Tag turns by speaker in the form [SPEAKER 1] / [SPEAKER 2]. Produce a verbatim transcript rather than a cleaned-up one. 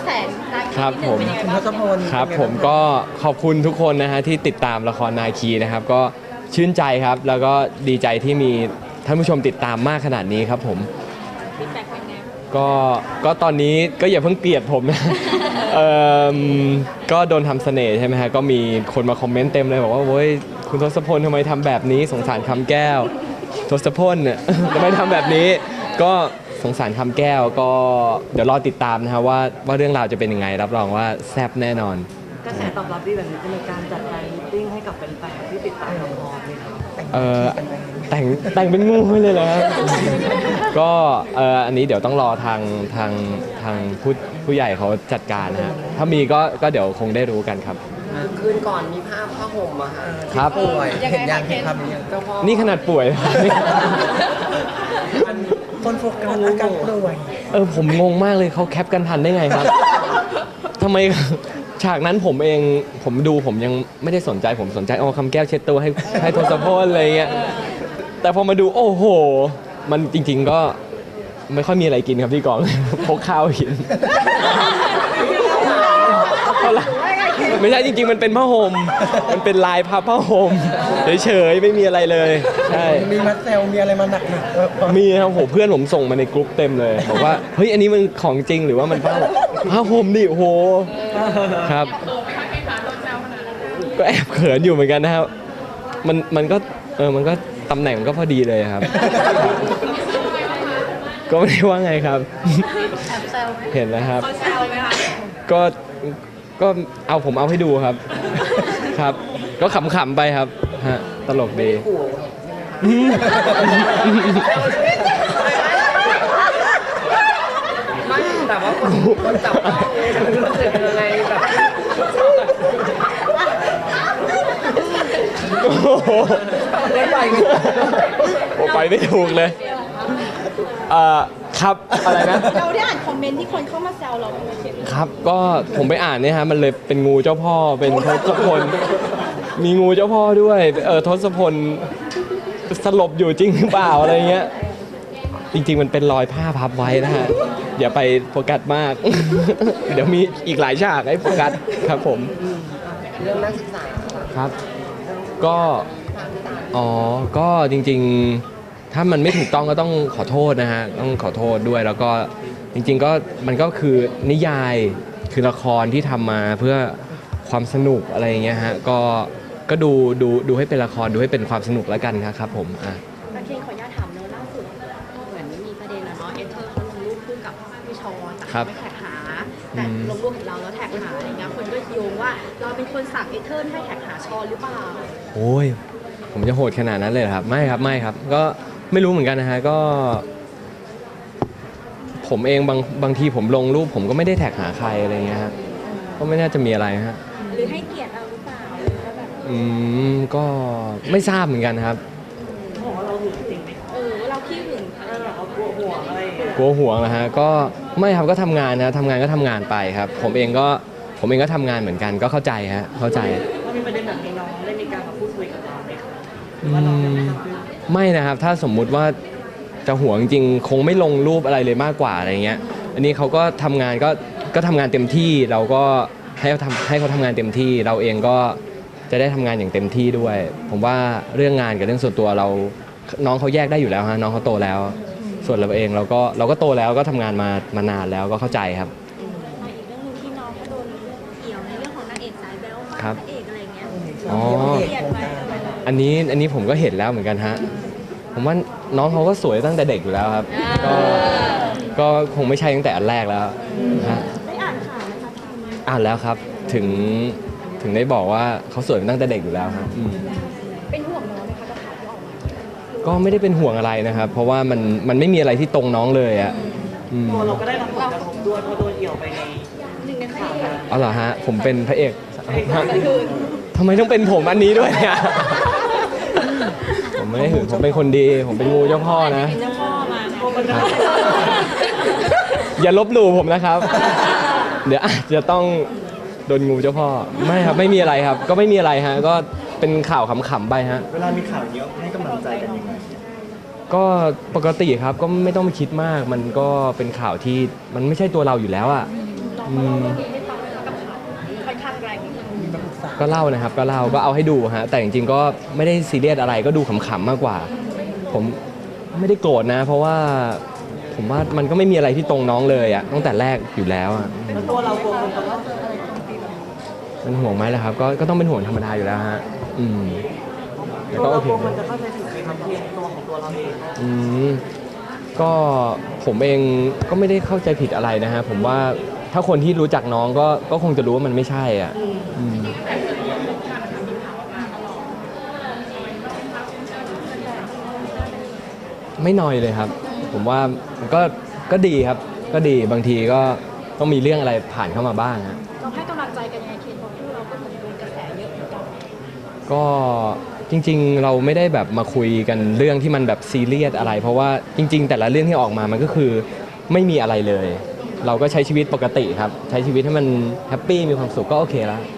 [SPEAKER 1] แสนาคี
[SPEAKER 2] ครับผม
[SPEAKER 1] เป็นยังไง
[SPEAKER 3] คุณ
[SPEAKER 1] บ้า
[SPEAKER 3] ท
[SPEAKER 1] ง
[SPEAKER 3] ศพล
[SPEAKER 2] ครับผมก็ขอบคุณทุกคนนะฮะที่ติดตามละครนาคีนะครับก็ชื่นใจครับแล้วก็ดีใจที่มีท่านผู้ชมติดตามมากขนาดนี้ครับผม
[SPEAKER 1] ฟีดแบ็กเป็นไง
[SPEAKER 2] ก็ก็ตอนนี้ก็อย่าเพิ่งเกลียดผมนะ เอ่อก็โดนทำเสน่ห์ใช่ไหมฮะก็มีคนมาคอมเมนต์เต็มเลยบอกว่าโว้ยคุณทศพลทำไมทำแบบนี้สงสารคำแก้วทศพลเนี่ย ทำไมทำแบบนี้ก็สงสารคำแก้วก็เดี๋ยวรอติดตามนะฮะว่าว่าเรื่องราวจะเป็นยังไงรับรองว่าแซ่บแน่นอน
[SPEAKER 4] กระแสตอบรับดีแบบนี้จะมีการจัดแฟนมิตติ้งให้กับแฟนๆที่ติดตามละครไหมครับ
[SPEAKER 2] เออแต่งแต่งเป็นงูให้เลยเหรอครับ ก็เอออันนี้เดี๋ยวต้องรอทางทางทางผู้ผู้ใหญ่เขาจัดการนะฮะถ้ามีก็ก็เดี๋ยวคงได้รู้กันครับ
[SPEAKER 4] คืนก่อนมีภาพผ้าห่มอะค่ะ
[SPEAKER 2] ครับ
[SPEAKER 3] ป่วยเห็นยังเห็นภาพนี้ยัง
[SPEAKER 4] เจ้าพ่อ
[SPEAKER 2] นี่ขนาดป่วย
[SPEAKER 3] คนโฟกัสอาการป่วย
[SPEAKER 2] เออผมงงมากเลยเขาแคปกันทันได้ไงครับ ทำไม ฉากนั้นผมเองผมดูผมยังไม่ได้สนใจผมสนใจเอาคำแก้วเช็ดตัวให้ให้ทศพลอะไรเงี้ยแต่พอมาดูโอ้โห มันจริง ๆก็ไม่ค่อยมีอะไรกินครับที่กอง พกข้าวกิน ไม่ใช่จริงๆมันเป็นผ้าห่มมันเป็นลายพับผ้าห่มเฉยๆไม่มีอะไรเลยใช่
[SPEAKER 3] มีมัดเซลมีอะไรมาหนักหนัก
[SPEAKER 2] มีครับโหเพื่อนผมส่งมาในกรุ๊ปเต็มเลยบอกว่าเฮ้ยอันนี้มันของจริงหรือว่ามันผ้าห่มผ้าห่มดิโหครับก็แอบเขินอยู่เหมือนกันนะครับมันมันก็เออมันก็ตำแหน่งมันก็พอดีเลยครับ ก็ไม่ได้ว่าไงครับ
[SPEAKER 1] แอบแซวไหม
[SPEAKER 2] เห็นแล้วครับ
[SPEAKER 1] เขาแซวไหมคะ
[SPEAKER 2] ก็ก็เอาผมเอาให้ดูครับ ครับ ก็ขำๆไปครับฮะตลกดี
[SPEAKER 4] ขู่ ไม่แต่ว่าคนคนจับต้องรู้สึกเป็นยังไงแบบ
[SPEAKER 2] โอ้โห
[SPEAKER 4] ไม่ไป
[SPEAKER 2] โอ้ไปไม่ถูกเลยเอ่อครับอะไรนะ
[SPEAKER 1] เราได้อ่านคอมเมนต์ที่คนเข้ามาแซวเราไหมเขียน
[SPEAKER 2] ครับก็ผมไปอ่านเนี่ยฮะมันเลยเป็นงูเจ้าพ่อเป็นทศพลมีงูเจ้าพ่อด้วยเออทศพลสลบอยู่จริงหรือเปล่าอะไรเงี้ยจริงๆมันเป็นรอยผ้าพับไว้นะฮะอย่าไปโฟกัสมาก เดี๋ยวมีอีกหลายฉากให้โฟกัสครับผม
[SPEAKER 4] เรื่องนักศึกษา
[SPEAKER 2] ครับก็อ๋อก็จริงๆถ้ามันไม่ถูกต้องก็ต้องขอโทษนะฮะต้องขอโทษด้วยแล้วก็จริงๆก็มันก็คือนิยายคือละครที่ทำมาเพื่อความสนุกอะไรอย่างเงี้ยฮะก็ก็ดูดูดูให้เป็นละครดูให้เป็นความสนุกแล้วกันครับผมอ่ะ
[SPEAKER 1] นักเรียนขออนุญาตถามเนอะล่าสุดเหมือนมีประเด็นอะเนาะเอเธอร์เขาลงรูปคู่กับพี่ชอนแต่เขาไม่แท็กหาแต่ลงรูปเห็นเราแล้วแท็กหาอะไรเงี้ยคนก็โยงว่าเราเป็นคนสั่งเอเธอร์ให้แท็กหาชอนหรือเปล่า
[SPEAKER 2] โอ้ยผมจะโหดขนาดนั้นเลยเหรอครับไม่ครับไม่ครับ ก็ไม่รู้เหมือนกันนะฮะก็ ผมเองบางบางทีผมลงรูปผมก็ไม่ได้แท็กหาใครอะไรเงี้ยฮะก็ไม่น่าจะมีอะไรฮะ
[SPEAKER 1] หรือให้เกียรติเราหรือเปล่าหรือว่าแบบ
[SPEAKER 2] อืมก็ไม่ทราบเหมือนกันครับ
[SPEAKER 4] บอกว่าเราหึงจริงไหม
[SPEAKER 1] เออว่าเราขี้หึงอะไร
[SPEAKER 4] แบ
[SPEAKER 1] แบบ บ
[SPEAKER 4] ว่ากลัวห่วงอะไรอย่างเงี้ย
[SPEAKER 2] กลัวห่วงนะฮะก็ไม่ครับก็ทำงานนะทำงานก็ทำงานไปครับ ผมเองก็ผมเองก็ทำงานเหมือนกันก็เข้าใจฮะเข้าใจ
[SPEAKER 4] ว่ามีประเด็นแบบนี้น้องได้มีการมาพูดคุยกับเราไหมคะหรื
[SPEAKER 2] อื
[SPEAKER 4] อว่าเรายัง
[SPEAKER 2] ม
[SPEAKER 4] ไม่ทราบเรื่อง
[SPEAKER 2] ไม่นะครับถ้าสมมุติว่าจะห่วงจริงๆคงไม่ลงรูปอะไรเลยมากกว่าอะไรเงี้ยอันนี้เขาก็ทำงานก็ก็ทำงานเต็มที่เราก็ให้เขาทำให้เขาทำงานเต็มที่ เราเองก็จะได้ทำงานอย่างเต็มที่ด้วย ผมว่าเรื่องงานกับเรื่องส่วนตัวเราน้องเขาแยกได้อยู่แล้วฮะน้องเขาโตแล้ว ส่วนเราเองเราก็เราก็โตแล้วก็ทำงานมามานานแล้วก็เข้าใจครับ
[SPEAKER 1] มาอีกเรื่องหนึงที่น้องเขาโดนเกี่ยวในเรื่องของนางเอกสายแบ๊วมาก
[SPEAKER 2] ครับ
[SPEAKER 1] พระเอกอะไรเงี้ย
[SPEAKER 2] อ๋อ
[SPEAKER 1] เครียดไหมเออ
[SPEAKER 2] อันนี้อันนี้ผมก็เห็นแล้วเหมือนกันฮะผมว่าน้องเขาก็สวยตั้งแต่เด็กอยู่แล้วครับก็ก็คงไม่ใช่ตั้งแต่อันแรกแล้วฮะ
[SPEAKER 1] ได้อ่านข่าวไหมคะทีม
[SPEAKER 2] อ่านแล้วครับถึงถึงได้บอกว่าเขาสวยมาตั้งแต่เด็กอยู่แล้วครับอืม
[SPEAKER 1] เป็นห่วงน้องไหมคะกับข่าวที่ออกมา
[SPEAKER 2] ก็ไม่ได้เป็นห่วงอะไรนะครับ เพราะว่ามันมันไม่มีอะไรที่ตรงน้องเลยอ่ะอืม
[SPEAKER 4] ตัวเราก็ได้รับผลกระทบด้วยเพราะโดนเอี่ยวไปใน
[SPEAKER 1] หนึ่งในพระเอก
[SPEAKER 2] อ๋อเหรอฮะผมเป็นพระเอกฮะ
[SPEAKER 1] คือ
[SPEAKER 2] ทำไมต้องเป็นผมอันนี้ด้วยเนี่ยผมไม่ได้หึงผมเป็นคนดี ผมเป็นงูเจ้าพ่อนะ
[SPEAKER 1] เป็นเจ้าพ่อมาไง
[SPEAKER 2] ครับอย่าลบหลู่ผมนะครับ เดี๋ยวอาจจะต้องโดนงูเจ้าพ่อไม่ครับไม่มีอะไรครับ ก็ไม่มีอะไรฮะก็เป็นข่าวขำๆไปฮะ
[SPEAKER 3] เวลามีข่าวเยอะให้กำลังใจกันยังไง
[SPEAKER 2] ก็ปกติครับก็ไม่ต้องไปคิดมาก มันก็เป็นข่าวที่มันไม่ใช่ตัวเราอยู่แล้วอ่ะอืม
[SPEAKER 1] ไม่ฟังเลยกับข่าวค่อนข้างแรงนิดนึง
[SPEAKER 3] มีมาปรึกษา
[SPEAKER 2] ก็เล่านะครับก็เล่าก็เอาให้ดูฮะแต่จริงๆก็ไม่ได้ซีเรียสอะไรก็ดูขำๆมากกว่า ผมไม่ได้โกรธนะ เพราะว่าผมว่ามันก็ไม่มีอะไรที่ตรงน้องเลยอะตั้งแต่แรกอยู่แล้วอะ
[SPEAKER 4] แล้วตัวเรากลัวคนจะว่า
[SPEAKER 2] เป็นห่วงไหมล่ะครับก็ก็ต้องเป็นห่วงธรรมดาอยู่แล้วฮะอืมแต่
[SPEAKER 4] ตัว
[SPEAKER 2] ก็โอ
[SPEAKER 4] เรา
[SPEAKER 2] เค
[SPEAKER 4] กลัวคนจะเข้าใจผิดไหมครับเพียงตัวของตัวเราเอง
[SPEAKER 2] อืมก็ผมเองก็ไม่ได้เข้าใจผิดอะไรนะฮะผมว่าถ้าคนที่รู้จักน้องก็ก็คงจะรู้ว่ามันไม่ใช่อ่ะอืมไม่น้อยเลยครับ ผมว่ามันก็ก็ดีครับ ก็ดีบางทีก็ต้องมีเรื่องอะไรผ่านเข้ามาบ้างฮะ
[SPEAKER 1] เราให้กำลังใจกันยังไงเคนเพราะคู่เราก็เหมือนโดนกระแสเยอะเหมือนกัน
[SPEAKER 2] ก็จริงๆเราไม่ได้แบบมาคุยกันเรื่องที่มันแบบซีเรียสอะไร เพราะว่าจริง ๆ แต่ละเรื่องที่ออกมามันก็คือไม่มีอะไรเลย เราก็ใช้ชีวิตปกติครับ ใช้ชีวิตให้มันแฮปปี้มีความสุขก็โอเคแล้ว